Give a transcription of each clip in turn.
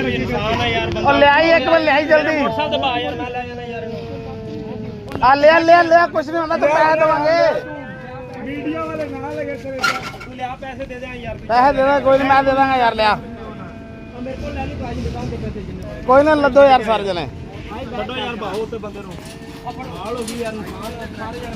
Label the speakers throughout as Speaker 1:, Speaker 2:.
Speaker 1: ਇਨਸਾਨ ਆ ਯਾਰ
Speaker 2: और ले आई एक बार ले आई जल्दी
Speaker 1: ਮੋਟਰਸਾਈਕਲ ਦਬਾ ਯਾਰ ਨਾ ਲੈ ਜਾਣਾ ਯਾਰ ਇਹਨੂੰ
Speaker 2: ले कुछ नहीं होता तो पैसे देवांगे
Speaker 1: ਵੀਡੀਓ ਵਾਲੇ ਨਾ ਲਗੇ ਤੇਰੇ ਤੂੰ ਲਿਆ ਪੈਸੇ ਦੇ ਦੇ ਯਾਰ
Speaker 2: पैसे दे दे कोई नहीं मैं दे दूंगा यार लिया
Speaker 1: ਮੇਰੇ ਕੋਲ ਲੈ ਲਈ ਭਾਜੀ ਦੁਕਾਨ ਤੇ ਪੈਸੇ ਜਿੰਨੇ
Speaker 2: कोई ना लदो यार सारे जने
Speaker 1: ਕੱਢੋ ਯਾਰ ਬਾਹੋ ਤੇ ਬੰਦੇ ਨੂੰ ਹਾਲ ਹੋ ਗਈ ਯਾਰ ਸਾਰੇ ਯਾਰ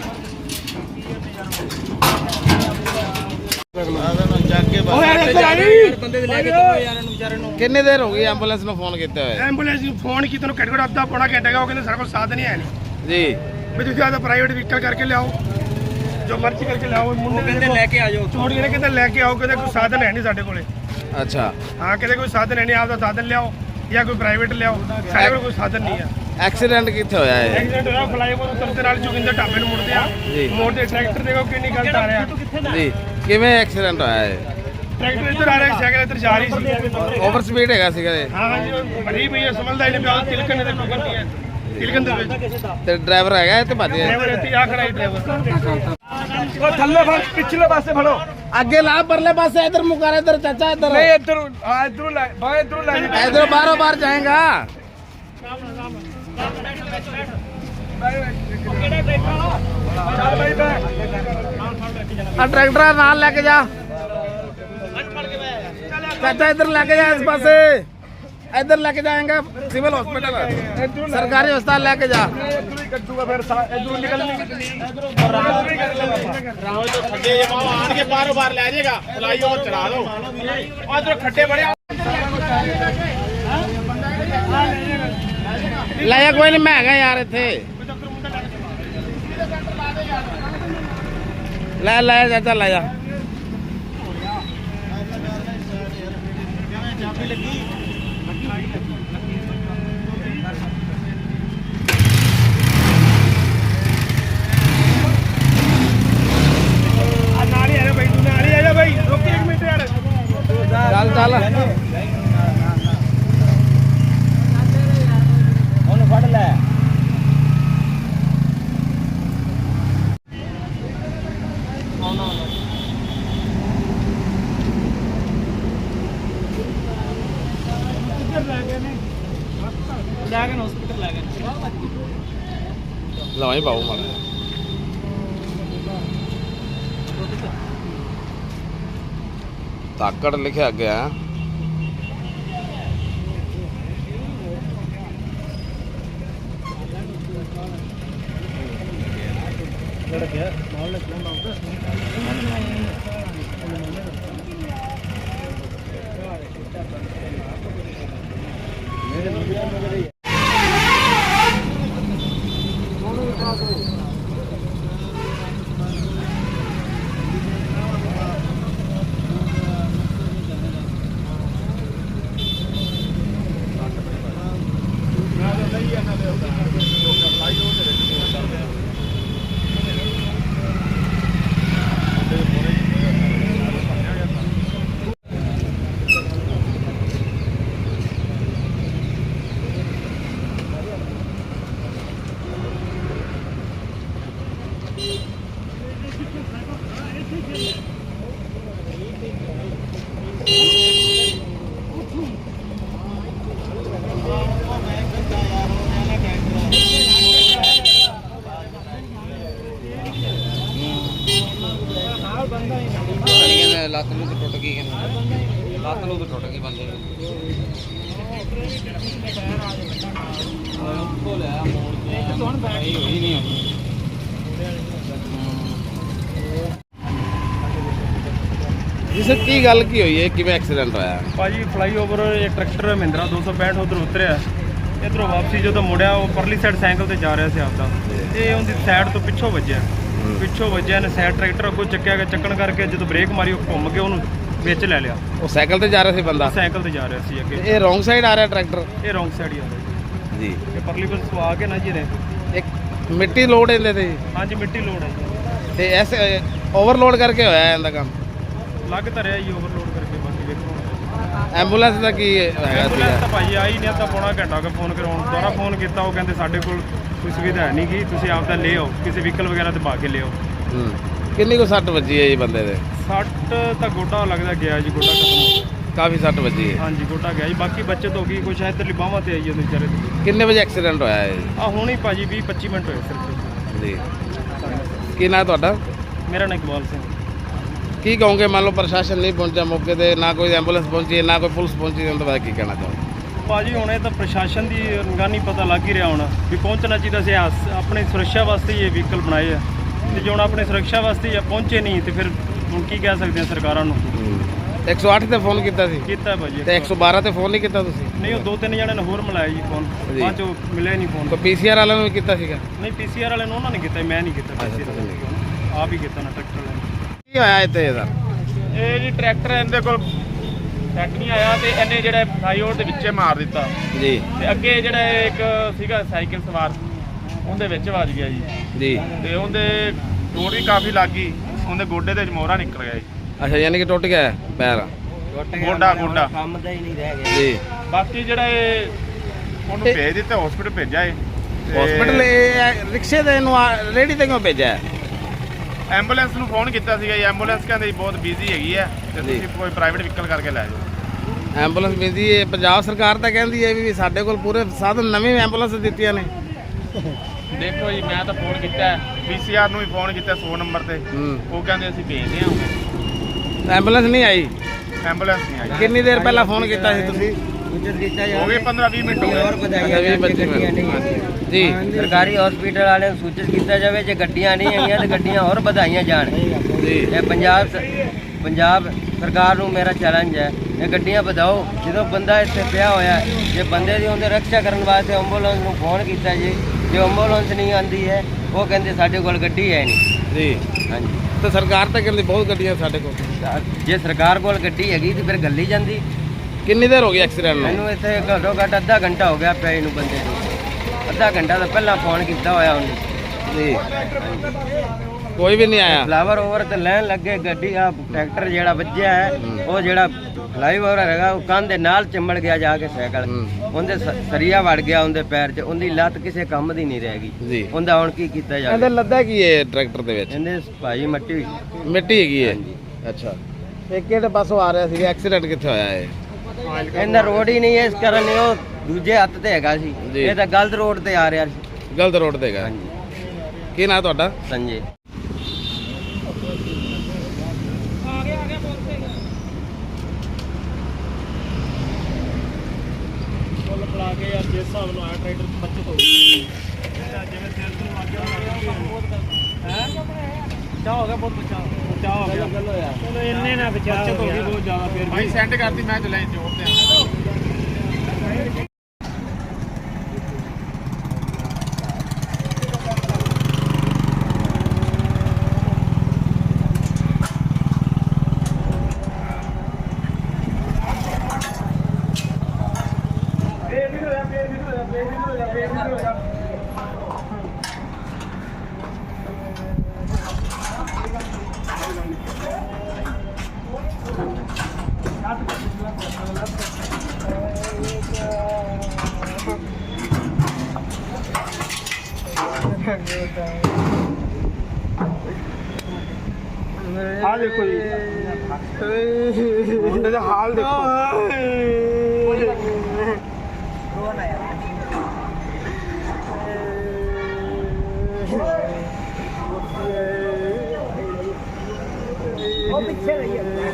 Speaker 1: ਬੰਦੇ ਦੇ ਲੈ ਕੇ ਚੱਲੋ ਯਾਰ ਇਹਨੂੰ ਵਿਚਾਰੇ ਨੂੰ
Speaker 2: कितनी देर हो गई एम्बुलेंस में फोन किते हुए
Speaker 3: ਐਂਬੂਲੈਂਸ ਨੂੰ ਫੋਨ ਕੀਤਾ ਨੂੰ ਘੱਟੋ ਘੱਟ ਅੱਧਾ ਪੌਣਾ ਘੰਟਾ ਗਿਆ ਉਹ ਕਹਿੰਦੇ ਸਾਡੇ ਕੋਲ ਸਾਧਨ ਨਹੀਂ ਹੈ ਨਹੀਂ
Speaker 2: जी
Speaker 3: ਵੀ ਤੁਸੀਂ ਆਦਾ ਪ੍ਰਾਈਵੇਟ ਵਹੀਕਲ ਕਰਕੇ ਲਿਆਓ ਜੋ ਮਰਜ਼ੀ ਕਰਕੇ ਲਿਆਓ ਮੁੰਡੇ
Speaker 1: ਕਹਿੰਦੇ ਲੈ ਕੇ ਆ ਜਾਓ
Speaker 3: ਚੋੜ ਜਿਹੜੇ ਕਹਿੰਦੇ ਲੈ ਕੇ ਆਓ ਕਹਿੰਦੇ ਕੋਈ ਸਾਧਨ ਹੈ ਨਹੀਂ ਸਾਡੇ ਕੋਲੇ
Speaker 2: अच्छा
Speaker 3: ਹਾਂ ਕਹਿੰਦੇ ਕੋਈ ਸਾਧਨ ਹੈ ਨਹੀਂ ਆਪਦਾ ਸਾਧਨ ਲਿਆਓ ਜਾਂ ਕੋਈ ਪ੍ਰਾਈਵੇਟ ਲਿਆਓ ਸਾਡੇ ਕੋਲ ਕੋਈ ਸਾਧਨ ਨਹੀਂ ਆ
Speaker 2: एक्सीडेंट कितने होया है
Speaker 3: ਐਕਸੀਡੈਂਟ ਹੋਇਆ ਫਲਾਈਓਵਰ ਉੱਤਰ ਦੇ ਨਾਲ ਜੋਗਿੰਦਰ ਢਾਬੇ ਨੂੰ ਮੁੜਦੇ ਆ
Speaker 2: ਜੀ।
Speaker 3: ਮੋੜ ਦੇ ਟਰੈਕਟਰ ਦੇਖੋ ਕਿੰਨੀ ਗਲਤ ਆ ਰਿਹਾ
Speaker 2: जी किवें एक्सीडेंट होया है
Speaker 3: ਟਰੈਕਟਰ ਇੱਧਰ ਆ ਰਿਹਾ ਸਾਈਕਲ ਇੱਧਰ ਜਾ ਰਹੀ ਸੀ
Speaker 2: ओवर स्पीड हैगा सीगा ये
Speaker 3: ਹਾਂ ਹਾਂਜੀ ਉਹ ਬੜੀ ਪਈ ਹੈ ਸਮਝਦਾ ਹੀ ਨਹੀਂ ਪਿਆ ਤਿਲਕਣ ਦੇ ਟੁਕਰ ਨਹੀਂ ਹੈ ਤਿਲਕਣ ਦੇ ਵਿੱਚ
Speaker 2: ते ड्राइवर हैगा ते भज गया
Speaker 3: ਡਰਾਈਵਰ ਇੱਥੇ ਆ ਖੜਾ ਹੈ ਡਰਾਈਵਰ ਉਹ ਥੱਲੇ ਫੜ ਪਿਛਲੇ ਪਾਸੇ ਫੜੋ
Speaker 2: आगे ला परले पास से इधर मुकर इधर चाचा इधर
Speaker 3: ਨਹੀਂ ਇੱਧਰ ਹਾਂ ਇੱਧਰੋਂ ਲੈ ਬਾਹਰ ਇੱਧਰੋਂ ਲੈ
Speaker 2: इधर बारों बार जाएगा
Speaker 3: ਚੱਲ ਬਾਈ ਬੈ
Speaker 2: ट्रैक्टर नाल लेके जा चाचा इधर लेके जा इस पास इधर लेके जाएंगे सिविल हॉस्पिटल सरकारी अस्पताल लेके जा
Speaker 3: ਇੱਧਰੋਂ ਹੀ ਕੱਢੂਗਾ ਫਿਰ ਇੱਧਰੋਂ ਨਿਕਲ ਨਹੀਂ
Speaker 1: ਰਾਹ ਤੋਂ ਖੱਡੇ ਜਮਾ ਆਣ ਕੇ ਬਾਹਰੋਂ ਬਾਹਰ ਲੈ ਜਾਏਗਾ ਫਲਾਈਓਵਰ ਚੜਾ ਦਿਓ ਉਧਰ ਖੱਡੇ ਬੜੇ
Speaker 2: ਲੈ ਜਾ ਕੋਈ ਨਹੀਂ ਮੈਂ ਹੈਗਾ ਯਾਰ ਇੱਥੇ ਲੈ ਲੈ ਚਾਚਾ ਲੈ ਜਾ
Speaker 3: ਨਾਲ ਹੀ ਆ ਜਾ ਬਾਈ ਤੂੰ ਨਾਲ ਹੀ ਆ ਜਾ ਬਾਈ ਰੁਕ 1 ਮਿੰਟ ਯਾਰ
Speaker 2: ਚੱਲ ਚੱਲ
Speaker 1: ਉਹਨੂੰ ਫੜ ਲੈ ਲੈ ਕੇ ਹਸਪੀਟਲ ਲੈ ਗਏ
Speaker 2: ਲਵਾਈ ਪਾਉ ਮਾੜਾ ਤਾਕੜ ਲਿਖਿਆ ਗਿਆ ਲੱਤ ਨੂੰ ਟੁੱਟ ਗਈ ਲੱਤ ਨੂੰ ਟੁੱਟ ਗਈ ਬੰਦੇ ਦੀ ਉੱਥੋਂ ਲਿਆ ਮੋੜ ਕੇ ਹੋਈ ਨਹੀਂ ਹੋਈ ਜਿਸ ਕੀ ਗੱਲ ਕੀ ਹੋਈ ਹੈ ਕਿਵੇਂ ਐਕਸੀਡੈਂਟ ਹੋਇਆ
Speaker 3: ਭਾਜੀ ਫਲਾਈਓਵਰ ਇਹ ਟਰੈਕਟਰ ਮਹਿੰਦਰਾ 265 ਉਧਰ ਉਤਰਿਆ ਇਧਰੋਂ ਵਾਪਸੀ ਜਦੋਂ ਮੁੜਿਆ ਉਹ ਪਰਲੀ ਸਾਈਡ ਸਾਈਕਲ ਤੇ ਜਾ ਰਿਹਾ ਸੀ ਆਪਦਾ ਤੇ ਉਹਦੀ ਸਾਈਡ ਤੋਂ ਪਿੱਛੋਂ ਵੱਜਿਆ ਨੇ ਸਾਈਡ ਟਰੈਕਟਰ ਅੱਗੋਂ ਚੱਕਿਆ ਗਿਆ ਚੱਕਣ ਕਰਕੇ ਜਦੋਂ ਬ੍ਰੇਕ ਮਾਰੀ ਉਹ ਘੁੰਮ ਕੇ ਉਹਨੂੰ ਵਿੱਚ ਲੈ ਲਿਆ
Speaker 2: ਉਹ ਸਾਈਕਲ ਤੇ ਜਾ ਰਿਹਾ ਸੀ ਬੰਦਾ
Speaker 3: ਸਾਈਕਲ ਤੇ ਜਾ ਰਿਹਾ ਸੀ ਅੱਗੇ
Speaker 2: ਇਹ ਰੋਂਗ ਸਾਈਡ ਆ ਰਿਹਾ ਟਰੈਕਟਰ
Speaker 3: ਇਹ ਰੌਂਗ ਸਾਈਡ ਹੀ ਆ ਰਿਹਾ
Speaker 2: ਜੀ
Speaker 3: ਇਹ ਪਰਲੀ ਪਾਸੇ ਸਵਾ ਕੇ ਨਾ ਜੀ ਨੇ
Speaker 2: ਇੱਕ ਮਿੱਟੀ ਲੋਡ ਇਹਦੇ ਤੇ
Speaker 3: ਹਾਂਜੀ ਮਿੱਟੀ ਲੋਡ ਹੈ
Speaker 2: ਤੇ ਐਸ ਓਵਰਲੋਡ ਕਰਕੇ ਹੋਇਆ ਇਹਦਾ ਕੰਮ
Speaker 3: ਲੱਗ ਤਾਂ ਰਿਹਾ ਜੀ ਓਵਰਲੋਡ ਕਰਕੇ ਬਾਕੀ ਵੇਖੋ
Speaker 2: ਐਂਬੂਲੈਂਸ ਦਾ ਕੀ ਹੈਗਾ
Speaker 3: ਐਂਬੂਲੈਂਸ
Speaker 2: ਸੀਗਾ
Speaker 3: ਤਾਂ ਭਾਜੀ ਆਈ ਨਹੀਂ ਅੱਧਾ ਪੌਣਾ ਘੰਟਾ ਹੋ ਗਿਆ ਫੋਨ ਕਰਾਉਣ ਦੁਬਾਰਾ ਫੋਨ ਕੀਤਾ ਉਹ ਕਹਿੰਦੇ ਸਾਡੇ ਕੋਲ ਕੋਈ ਸੁਵਿਧਾ ਹੈ ਨਹੀਂ ਗੀ ਤੁਸੀਂ ਆਪਦਾ ਲੈ ਆਓ ਕਿਸੇ ਵਹੀਕਲ ਵਗੈਰਾ ਤੇ ਪਾ ਕੇ ਲਿਆਓ
Speaker 2: ਕਿੰਨੀ ਕੋ ਸੱਟ ਵੱਜੀ ਹੈ ਜੀ ਬੰਦੇ ਦੇ
Speaker 3: ਸੱਟ ਤਾਂ ਗੋਡਾ ਲੱਗਦਾ ਗਿਆ ਜੀ ਗੋਡਾ ਖਤਮ ਹੋ ਗਿਆ
Speaker 2: ਕਾਫੀ ਸੱਟ ਵੱਜੀ ਹੈ।
Speaker 3: ਹਾਂਜੀ ਗੋਡਾ ਗਿਆ ਜੀ, ਬਾਕੀ ਬਚਤ ਹੋ ਗਈ, ਕੁਛ ਇੱਧਰਲੀ ਬਾਹਾਂ ਤੇ ਆਈ ਉਹਦੇ ਵਿਚਾਰੇ ਤੇ।
Speaker 2: ਕਿੰਨੇ ਵਜੇ ਐਕਸੀਡੈਂਟ ਹੋਇਆ ਹੈ
Speaker 3: ਆ ਹੁਣ ਹੀ ਭਾਜੀ 20-25 ਮਿੰਟ ਹੋਏ ਸਿਰਫ।
Speaker 2: ਜੀ? ਕੀ ਨਾਂ ਤੁਹਾਡਾ?
Speaker 3: ਮੇਰਾ ਨਾਂ ਇਕਬਾਲ ਸਿੰਘ।
Speaker 2: ਕੀ ਕਹੋਗੇ, ਮੰਨ ਲਓ ਪ੍ਰਸ਼ਾਸਨ ਨਹੀਂ ਪਹੁੰਚਿਆ ਮੌਕੇ ਤੇ, ਨਾ ਕੋਈ ਐਂਬੂਲੈਂਸ ਪਹੁੰਚੀ, ਨਾ ਕੋਈ ਪੁਲਿਸ ਪਹੁੰਚੀ, ਉਹਦੇ ਬਾਰੇ ਕੀ ਕਹਿਣਾ ਚਾਹੋਗੇ?
Speaker 3: ਭਾਜੀ ਹੁਣ ਇਹ ਤਾਂ ਪ੍ਰਸ਼ਾਸਨ ਦੀ ਨਿਗਰਾਨੀ ਪਤਾ ਲੱਗ ਹੀ ਰਿਹਾ ਹੁਣ ਵੀ ਪਹੁੰਚਣਾ ਚਾਹੀਦਾ ਸੀ। ਆਪਣੀ ਸੁਰੱਖਿਆ ਵਾਸਤੇ ਹੀ ਇਹ ਵਹੀਕਲ ਬਣਾਏ ਆ, ਤੇ ਜੇ ਹੁਣ ਆਪਣੀ ਸੁਰੱਖਿਆ ਵਾਸਤੇ ਹੀ ਪਹੁੰਚੇ ਨਹੀਂ ਤੇ ਫਿਰ ਹੁਣ ਕੀ ਕਹਿ ਸਕਦੇ ਆ ਸਰਕਾਰਾਂ ਨੂੰ।
Speaker 2: 108 ਤੇ ਫੋਨ ਕੀਤਾ ਸੀ
Speaker 3: ਕੀਤਾ ਭਾਜੀ
Speaker 2: ਤੇ 112 ਤੇ ਫੋਨ ਨਹੀਂ ਕੀਤਾ ਤੁਸੀਂ?
Speaker 3: ਨਹੀਂ, ਉਹ 2-3 ਜਣਿਆਂ ਨੇ ਹੋਰ ਮਿਲਾਇਆ ਜੀ ਫੋਨ, ਬਾਅਦ ਚੋਂ ਮਿਲਿਆ ਨਹੀਂ ਫੋਨ।
Speaker 2: ਕੋਈ ਪੀਸੀਆਰ ਵਾਲਿਆਂ ਨੂੰ ਵੀ ਕੀਤਾ ਸੀਗਾ?
Speaker 3: ਨਹੀਂ, ਪੀਸੀਆਰ ਵਾਲੇ ਨੂੰ ਉਹਨਾਂ ਨੇ ਕੀਤਾ, ਮੈਂ ਨਹੀਂ ਕੀਤਾ। ਪੀਸੀਆਰ ਆਪ ਹੀ ਕੀਤਾ ਨਾ, ਟਰੈਕਟਰ ਵਾਲੇ ਨੇ।
Speaker 2: ਕੀ ਹੋਇਆ ਇੱਥੇ ਇਹਦਾ?
Speaker 1: ਇਹ ਜੀ ਟਰੈਕਟਰ ਇਹਦੇ ਕੋਲ ਸੈੱਟ ਨਹੀਂ ਆਇਆ ਤੇ ਇਹਨੇ ਜਿਹੜਾ ਫਲਾਈਓਵਰ ਦੇ ਵਿੱਚੇ ਮਾਰ ਦਿੱਤਾ
Speaker 2: ਜੀ
Speaker 1: ਤੇ ਅੱਗੇ ਜਿਹੜਾ ਇੱਕ ਸੀਗਾ ਸਾਈਕਲ ਸਵਾਰ ਉਹਦੇ ਵਿੱਚ ਵੱਜ ਗਿਆ ਜੀ
Speaker 2: ਜੀ।
Speaker 1: ਤੇ ਉਹਦੇ ਚੋਟ ਵੀ ਕਾਫੀ ਲੱਗ ਗਈ, ਉਹਦੇ ਗੋਡੇ ਦੇ ਮੋਹਰਾ ਨਿਕਲ ਗਿਆ ਜੀ।
Speaker 2: ਅੱਛਾ, ਯਾਨੀ ਕਿ ਟੁੱਟ ਗਿਆ ਪੈਰ?
Speaker 1: ਗੋਡਾ
Speaker 4: ਕੰਮ ਦਾ ਹੀ ਨਹੀਂ ਰਹਿ ਗਿਆ
Speaker 2: ਜੀ।
Speaker 1: ਬਾਕੀ ਜਿਹੜਾ ਇਹ ਉਹਨੂੰ ਭੇਜ ਦਿੱਤਾ, ਹਸਪੀਟਲ ਭੇਜਿਆ ਏ।
Speaker 2: ਹਸਪੀਟਲ ਰਿਕਸ਼ੇ ਤੇ ਇਹਨੂੰ ਰੇੜੀ ਤੇ ਕਿਉਂ ਭੇਜਿਆ ਹੈ?
Speaker 1: ਐਂਬੂਲੈਂਸ ਨੂੰ ਫੋਨ ਕੀਤਾ ਸੀਗਾ ਜੀ, ਐਂਬੂਲੈਂਸ ਕਹਿੰਦੇ ਜੀ ਬਹੁਤ ਬਿਜ਼ੀ ਹੈਗੀ ਹੈ ਤੇ
Speaker 2: ਜੀ।
Speaker 1: ਤੁਸੀਂ ਕੋਈ ਪ੍ਰਾਈਵੇਟ ਵਹੀਕਲ ਕਰਕੇ ਲੈ ਜਾਓ।
Speaker 2: ਐਂਬੂਲੈਂਸ ਮਿਲਦੀ ਹੈ, ਪੰਜਾਬ ਸਰਕਾਰ ਤਾਂ ਕਹਿੰਦੀ ਹੈ ਵੀ ਸਾਡੇ ਕੋਲ ਪੂਰੇ ਸਾਧਨ, ਨਵੀਂ ਐਂਬੂਲੈਂਸ ਦਿੱਤੀਆਂ ਨੇ।
Speaker 1: ਦੇਖੋ ਜੀ, ਮੈਂ ਤਾਂ ਫੋਨ ਕੀਤਾ ਪੀਸੀਆਰ ਨੂੰ ਵੀ ਫੋਨ ਕੀਤਾ 100 ਨੰਬਰ ਤੇ, ਉਹ ਕਹਿੰਦੇ ਅਸੀਂ ਭੇਜਦੇ ਹਾਂ।
Speaker 2: ਐਂਬੂਲੈਂਸ ਨਹੀਂ ਆਈ?
Speaker 1: ਐਂਬੂਲੈਂਸ ਨਹੀਂ ਆਈ।
Speaker 2: ਕਿੰਨੀ ਦੇਰ ਪਹਿਲਾਂ ਫੋਨ ਕੀਤਾ ਸੀ ਤੁਸੀਂ?
Speaker 1: ਹੋ ਗਏ 15-20 ਮਿੰਟ ਹੋ
Speaker 4: ਹੋਰ
Speaker 1: ਗਏ।
Speaker 4: ਵਧਾਈਆਂ
Speaker 2: ਅੱਛਾ, 20-25
Speaker 4: ਗੱਡੀਆਂ
Speaker 2: ਮਿੰਟ।
Speaker 4: ਨਹੀਂ
Speaker 2: ਜੀ
Speaker 4: ਸਰਕਾਰੀ ਹਸਪੀਟਲ ਵਾਲਿਆਂ ਨੂੰ ਸੂਚਿਤ ਕੀਤਾ ਜਾਵੇ ਜੇ ਗੱਡੀਆਂ ਨਹੀਂ ਆਈਆਂ ਤੇ ਗੱਡੀਆਂ ਹੋਰ ਵਧਾਈਆਂ ਜਾਣ।
Speaker 2: ਜੀ।
Speaker 4: ਇਹ ਪੰਜਾਬ ਸਰਕਾਰ ਨੂੰ ਮੇਰਾ ਚੈਲੰਜ ਹੈ, ਇਹ ਗੱਡੀਆਂ ਵਧਾਓ। ਜਦੋਂ ਬੰਦਾ ਇੱਥੇ ਪਿਆ ਹੋਇਆ, ਜੇ ਬੰਦੇ ਦੀ ਉਹਦੇ ਰੱਖਿਆ ਕਰਨ ਵਾਸਤੇ ਐਂਬੂਲੈਂਸ ਨੂੰ ਫੋਨ ਕੀਤਾ ਜੇ ਐਂਬੂਲੈਂਸ ਨਹੀਂ ਆਂਦੀ ਹੈ, ਉਹ ਕਹਿੰਦੇ ਸਾਡੇ ਕੋਲ ਗੱਡੀ ਹੈ ਨਹੀਂ।
Speaker 2: ਜੀ।
Speaker 4: ਹਾਂਜੀ,
Speaker 2: ਤੇ ਸਰਕਾਰ ਤਾਂ ਕਹਿੰਦੀ ਬਹੁਤ ਗੱਡੀਆਂ ਸਾਡੇ ਕੋਲ।
Speaker 4: ਜੇ ਸਰਕਾਰ ਕੋਲ ਗੱਡੀ ਹੈਗੀ ਤੇ ਫਿਰ ਗੱਲੀ ਜਾਂਦੀ।
Speaker 2: ਕਿੰਨੀ ਦੇਰ ਹੋ ਗਈ ਐਕਸੀਡੈਂਟ ਨੂੰ?
Speaker 4: ਮੈਨੂੰ ਇੱਥੇ ਘੱਟੋ ਘੱਟ ਅੱਧਾ ਘੰਟਾ ਹੋ ਗਿਆ ਪਏ ਨੂੰ ਬੰਦੇ ਨੂੰ। ਅੱਧਾ ਘੰਟਾ ਤਾਂ ਪਹਿਲਾਂ ਫੋਨ ਕੀਤਾ ਹੋਇਆ ਉਹਨੇ।
Speaker 2: ਜੀ। ਕੋਈ ਵੀ ਨਹੀਂ ਆਇਆ?
Speaker 4: ਫਲਾਵਰ ਓਵਰ ਤੇ ਲੈਣ ਲੱਗੇ ਗੱਡੀ, ਆ ਟਰੈਕਟਰ ਜਿਹੜਾ ਵੱਜਿਆ ਹੈ ਉਹ ਜਿਹੜਾ ਫਲਾਈਓਵਰ ਹੈਗਾ ਉਹ ਕੰਨ ਦੇ ਨਾਲ ਚਿੰਬੜ ਗਿਆ ਜਾ ਕੇ ਸਾਈਕਲ। ਉਹਦੇ ਸਰੀਆ ਵੜ ਗਿਆ ਉਹਦੇ ਪੈਰ 'ਚ, ਉਹਦੀ ਲੱਤ ਕਿਸੇ ਕੰਮ ਦੀ ਨਹੀਂ ਰਹਿ ਗਈ।
Speaker 2: ਜੀ।
Speaker 4: ਉਹਦਾ ਹੁਣ ਕੀ ਕੀਤਾ ਜਾਵੇ?
Speaker 2: ਇਹਦੇ ਲੱਦਾ ਕੀ ਹੈ ਟਰੈਕਟਰ ਦੇ ਵਿੱਚ?
Speaker 4: ਇਹਦੇ ਭਾਈ ਮਿੱਟੀ
Speaker 2: ਮਿੱਟੀ ਹੈਗੀ ਹੈ। ਅੱਛਾ, ਇਹ ਕਿਹੜੇ ਪਾਸੋਂ ਆ ਰਿਹਾ ਸੀਗਾ? ਐਕਸੀਡੈਂਟ ਕਿੱਥੇ ਹੋਇਆ ਹੈ?
Speaker 4: ਇਹਦਾ ਰੋਡ ਹੀ ਨਹੀਂ ਹੈ, ਇਸ ਕਾਰਨ ਉਹ ਦੂਜੇ ਹੱਥ ਤੇ ਹੈਗਾ ਸੀ,
Speaker 2: ਜੀ।
Speaker 4: ਇਹ ਤਾਂ ਗਲਤ ਰੋਡ ਤੇ ਆ ਰਿਹਾ ਸੀ।
Speaker 2: ਗਲਤ ਰੋਡ ਤੇ ਹੈਗਾ।
Speaker 4: ਹਾਂਜੀ,
Speaker 2: ਕੀ ਨਾਂ ਤੁਹਾਡਾ?
Speaker 4: ਸੰਜੇ।
Speaker 3: ਬੁਲਾ ਕੇ ਯਾਰ ਜਿਸ ਹਿਸਾਬ ਨਾਲ ਆਇਆ ਟਰੈਕਟਰ ਬੱਚਤ ਹੋ ਗਈ, ਜਿਵੇਂ ਸਿਰ ਤੋਂ ਲੱਗ ਗਿਆ ਹੈ। ਬਚਾਅ ਹੋ ਗਿਆ, ਬਹੁਤ ਬਚਾਅ ਹੋ ਗਿਆ। ਚਲੋ ਇੰਨੇ ਨਾ ਬਚਾਅ ਹੋ ਗਈ ਬਹੁਤ ਜ਼ਿਆਦਾ। ਫਿਰ
Speaker 1: ਭਾਈ ਸੈਂਡ ਕਰਤੀ, ਮੈਂ ਚਲੇ ਜੋੜ ਤੇ
Speaker 2: ਆ ਦੇਖੋ ਜੀ, ਮੁੰਡੇ ਦਾ ਹਾਲ ਦੇਖੋ। ਉਹ ਪਿੱਛੇ ਰਹੀ ਹੈ।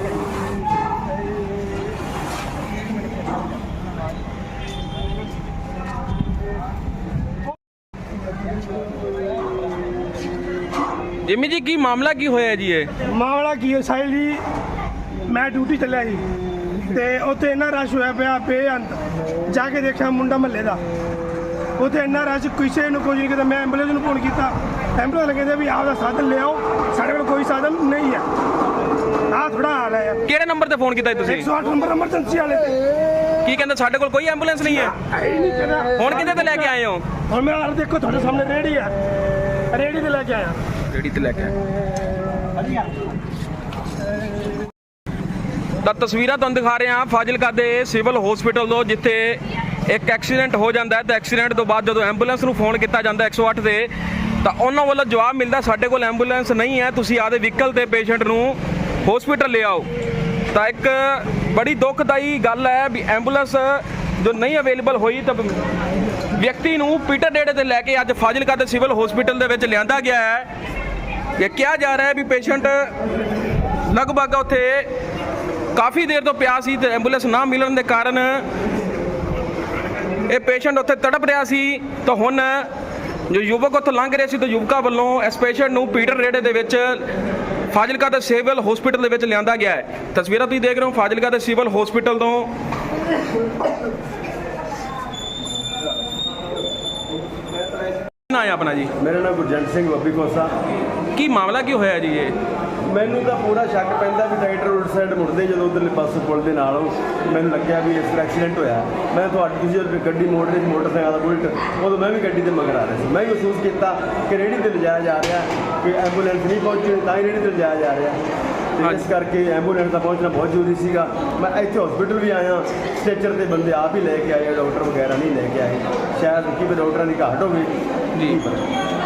Speaker 5: ਜਿਮੀ ਜੀ ਕੀ ਮਾਮਲਾ ਕੀ ਹੋਇਆ ਜੀ? ਇਹ
Speaker 6: ਮਾਮਲਾ ਕੀ ਹੈ ਸਾਹਿਲ ਜੀ, ਮੈਂ ਡਿਊਟੀ ਚੱਲਿਆ ਜੀ ਤੇ ਉੱਥੇ ਇੰਨਾ ਰਸ਼ ਹੋਇਆ ਪਿਆ ਬੇਅੰਤ। ਜਾ ਕੇ ਦੇਖਿਆ ਮੁੰਡਾ ਮਹੱਲੇ ਦਾ, ਉੱਥੇ ਇੰਨਾ ਰਸ਼, ਕਿਸੇ ਨੂੰ ਕੁਝ ਨਹੀਂ ਕੀਤਾ। ਮੈਂ ਐਂਬੂਲੈਂਸ ਨੂੰ ਫੋਨ ਕੀਤਾ, ਐਂਬੂਲੈਂਸ ਕਹਿੰਦੇ ਵੀ ਆਪਦਾ ਸਾਧਨ ਲਿਆਓ, ਸਾਡੇ ਕੋਲ ਕੋਈ ਸਾਧਨ ਨਹੀਂ ਹੈ। ਆਹ ਥੋੜਾ ਹਾਲ ਹੈ।
Speaker 5: ਕਿਹੜੇ ਨੰਬਰ ਤੇ ਫੋਨ ਕੀਤਾ ਜੀ ਤੁਸੀਂ?
Speaker 6: 108 ਨੰਬਰ ਐਮਰਜੈਂਸੀ ਵਾਲੇ ਤੇ।
Speaker 5: ਕੀ ਕਹਿੰਦਾ ਸਾਡੇ ਕੋਲ ਕੋਈ ਐਂਬੂਲੈਂਸ ਨਹੀਂ ਹੈ?
Speaker 6: ਆਈ ਨਹੀਂ ਕਹਿੰਦਾ।
Speaker 5: ਹੁਣ ਕਿੱਥੇ ਤੇ ਲੈ ਕੇ ਆਏ ਹੋ?
Speaker 6: ਹੁਣ ਮੇਰਾ ਹਾਲ ਦੇਖੋ, ਤੁਹਾਡੇ ਸਾਹਮਣੇ ਰੇਹੜੀ ਆ, ਰੇਹੜੀ ਤੇ ਲੈ ਕੇ ਆਇਆ।
Speaker 5: ਰੇੜੀ ਤੇ ਲੈ ਕੇ ਤਾਂ ਤਸਵੀਰਾਂ ਤੁਹਾਨੂੰ ਦਿਖਾ ਰਹੇ ਹਾਂ ਫਾਜ਼ਿਲਕਾ ਦੇ ਸਿਵਲ ਹਸਪੀਟਲ ਤੋਂ, ਜਿੱਥੇ ਇੱਕ ਐਕਸੀਡੈਂਟ ਹੋ ਜਾਂਦਾ ਹੈ ਤੇ ਐਕਸੀਡੈਂਟ ਤੋਂ ਬਾਅਦ ਜਦੋਂ ਐਂਬੂਲੈਂਸ ਨੂੰ ਫੋਨ ਕੀਤਾ ਜਾਂਦਾ 108 ਤੇ, ਤਾਂ ਉਹਨਾਂ ਵੱਲੋਂ ਜਵਾਬ ਮਿਲਦਾ ਸਾਡੇ ਕੋਲ ਐਂਬੂਲੈਂਸ ਨਹੀਂ ਹੈ, ਤੁਸੀਂ ਆਪਦੇ ਵਹੀਕਲ ਤੇ ਪੇਸ਼ੈਂਟ ਨੂੰ ਹਸਪੀਟਲ ਲੈ ਆਓ। ਤਾਂ ਇੱਕ ਬੜੀ ਦੁਖਦਾਈ ਗੱਲ ਹੈ ਵੀ ਐਂਬੂਲੈਂਸ ਜੋ ਨਹੀਂ ਅਵੇਲੇਬਲ ਹੋਈ ਤਾਂ ਵਿਅਕਤੀ ਨੂੰ ਪੀਟਰ ਡੇੜੇ ਤੇ ਲੈ ਕੇ ਅੱਜ ਫਾਜ਼ਿਲਕਾ ਦੇ ਸਿਵਲ ਹਸਪੀਟਲ ਦੇ ਵਿੱਚ ਲਿਆਂਦਾ ਗਿਆ ਹੈ। ਇਹ ਕਿਹਾ ਜਾ ਰਿਹਾ ਹੈ ਵੀ ਪੇਸ਼ੈਂਟ ਲਗਭਗ ਉੱਥੇ ਕਾਫੀ ਦੇਰ ਤੋਂ ਪਿਆ ਸੀ ਤੇ ਐਂਬੂਲੈਂਸ ਨਾ ਮਿਲਣ ਦੇ ਕਾਰਨ ਇਹ ਪੇਸ਼ੈਂਟ ਉੱਥੇ ਤੜਪ ਰਿਹਾ ਸੀ। ਤਾਂ ਹੁਣ ਜੋ ਯੁਵਕ ਉੱਥੋਂ ਲੰਘ ਰਹੇ ਸੀ ਤਾਂ ਯੁਵਕਾਂ ਵੱਲੋਂ ਇਸ ਪੇਸ਼ੈਂਟ ਨੂੰ ਪੀਟਰ ਡੇੜੇ ਦੇ ਵਿੱਚ ਫਾਜ਼ਿਲਕਾ ਦੇ ਸਿਵਲ ਹਸਪੀਟਲ ਦੇ ਵਿੱਚ ਲਿਆਂਦਾ ਗਿਆ ਹੈ। ਤਸਵੀਰਾਂ ਤੁਸੀਂ ਦੇਖ ਰਹੇ ਹੋ ਫਾਜ਼ਿਲਕਾ ਦੇ ਸਿਵਲ ਹਸਪੀਟਲ ਤੋਂ। ਨਾ ਹੈ ਆਪਣਾ ਜੀ?
Speaker 7: ਮੇਰਾ ਨਾਮ ਗੁਰਜੰਟ ਸਿੰਘ ਬੱਬੀ ਕੋਸਾ।
Speaker 5: ਕੀ ਮਾਮਲਾ ਕੀ ਹੋਇਆ ਜੀ ਇਹ?
Speaker 7: ਮੈਨੂੰ ਤਾਂ ਪੂਰਾ ਸ਼ੱਕ ਪੈਂਦਾ ਵੀ ਟਰੈਕਟਰ ਉਲਟ ਸਾਈਡ ਮੁੜਦੇ ਜਦੋਂ ਉਧਰਲੇ ਪਾਸੇ ਪੁਲ ਦੇ ਨਾਲ ਮੈਨੂੰ ਲੱਗਿਆ ਵੀ ਇਸ ਦਾ ਐਕਸੀਡੈਂਟ ਹੋਇਆ। ਮੈਂ ਤੁਹਾਡੀ ਤੁਸੀਂ ਜਦੋਂ ਗੱਡੀ ਮੋੜ ਰਹੀ ਸੀ ਮੋਟਰਸਾਈਕਲ ਦਾ ਬੁਲਟ, ਉਦੋਂ ਮੈਂ ਵੀ ਗੱਡੀ ਤੇ ਮਗਰ ਆ ਰਿਹਾ ਸੀ। ਮੈਂ ਵੀ ਮਹਿਸੂਸ ਕੀਤਾ ਕਿ ਰੇਹੜੀ ਤੇ ਲਿਜਾਇਆ ਜਾ ਰਿਹਾ, ਕਿ ਐਂਬੂਲੈਂਸ ਨਹੀਂ ਪਹੁੰਚੀ ਤਾਂ ਹੀ ਰੇਹੜੀ ਤੇ ਲਿਜਾਇਆ ਜਾ ਰਿਹਾ, ਤੇ ਇਸ ਕਰਕੇ ਐਂਬੂਲੈਂਸ ਦਾ ਪਹੁੰਚਣਾ ਬਹੁਤ ਜ਼ਰੂਰੀ ਸੀਗਾ। ਮੈਂ ਇੱਥੇ ਹਸਪੀਟਲ ਵੀ ਆਇਆ, ਸਟ੍ਰੈਚਰ ਤੇ ਬੰਦੇ ਆਪ ਹੀ ਲੈ ਕੇ ਆਏ, ਡਾਕਟਰ ਵਗੈਰਾ ਨਹੀਂ ਲੈ ਕੇ ਆਏ। ਸ਼ਾਇਦ ਕਿ ਡਾਕਟਰਾਂ ਦੀ ਘਾਟ ਹੋਵੇ
Speaker 5: ਜੀ।